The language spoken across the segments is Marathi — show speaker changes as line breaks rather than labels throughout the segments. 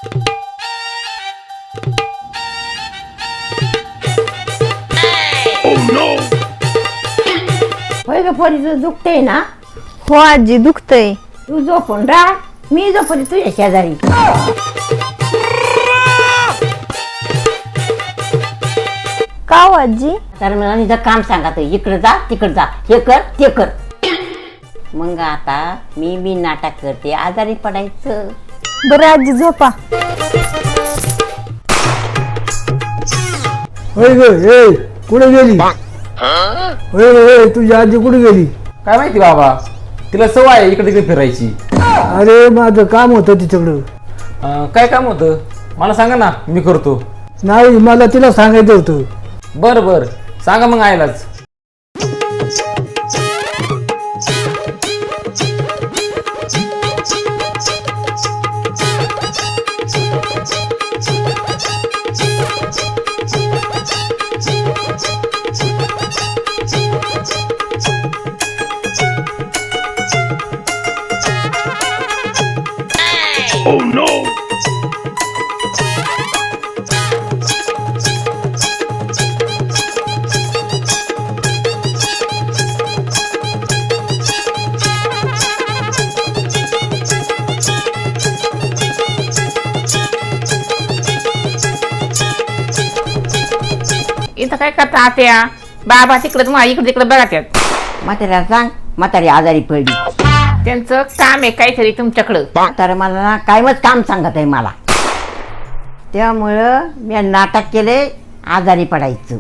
होय ग पोरीचं दुखतंय ना?
हो आजी दुखतंय.
तू झोपून राह, मी झोपली तुझ्या शेजारी.
का हो आजी?
तर मला निझं काम सांगत इकडे जा तिकडे जा, हे कर ते कर. मग आता मी बी नाटक करते, आजारी पडायचं.
बरं आजी झोपा.
होय ग ए कुठे गेली? होय तुझी आजी कुठे गेली?
काय माहिती बाबा, तिला सवय आहे इकडे तिकडे फिरायची.
अरे माझं काम होतं तिच्याकडं.
काय काम होतं मला सांगा ना, मी करतो.
नाही मला तिला सांगायचं होतं.
बरं बरं सांगा मग आयलाच.
इथं काय करता आत्या बाबा तिकडे तुम्हाला इकडे तिकडे बघतात.
म्हाताऱ्याला सांग, म्हातारी आजारी पडली.
त्यांचं काम आहे काहीतरी तुमच्याकडं.
तर मला ना कायमच काम सांगत आहे मला. त्यामुळं मी नाटक केले आजारी पडायचं.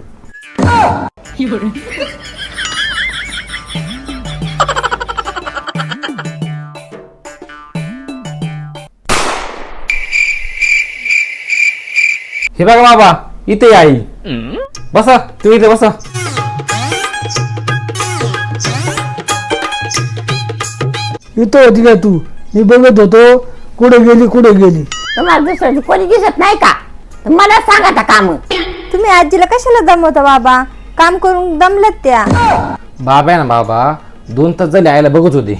हे बघा बाबा, इथे आई. बसा तुम्ही इथे बसा.
इथं होती का तू? मी बघत होतो कुठे गेली.
तुम्हाला दुसरं कोणी दिसत नाही का? तर मला सांगा आता काम.
तुम्ही आजीला कशाला दमवता बाबा? काम करून दमलत त्या.
बाबा आहे ना बाबा, 2 तास झाले आईला बघत होते.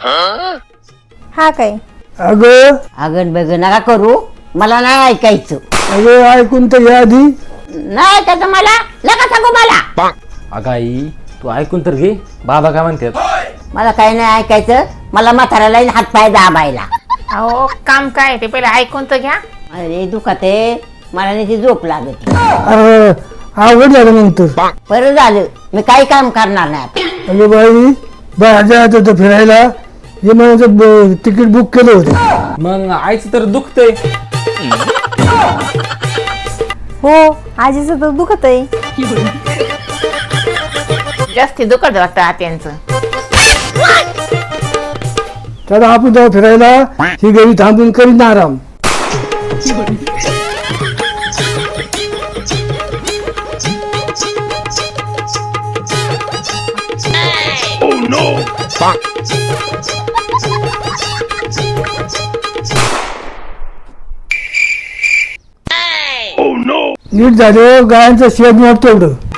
हा काय?
अगं
अगन बगन नका करू, मला नाही ऐकायचं.
अगं ऐकून तर या आधी.
नाही ऐकायचं मला, नका सांगू मला.
अगं आई तू ऐकून तर घे, बाबा काय म्हणतात.
मला काही नाही ऐकायचं. मला म्हाताऱ्याला हात पाय दाबायला.
अहो काम काय ते पहिले ऐकून तर घ्या.
अरे दुखत आहे, मला नाही ती झोप लागत.
अरे आवड झालं मग तर.
बरं झालं, मी काही काम करणार नाही आता.
अगं बाई बाहेर जायचं होतं फिरायला. हे म्हणायचं तिकीट बुक केलं होतं.
मग आईचं तर दुखतंय.
हो आजीचं तर दुखतंय.
जास्ती दुखत वाटतं आत्यांचं.
तर आपण जाऊ फिरायला. ही घरी थांबून करीन आराम. नीट झालं गायांचं शेत मोडतं एवढं.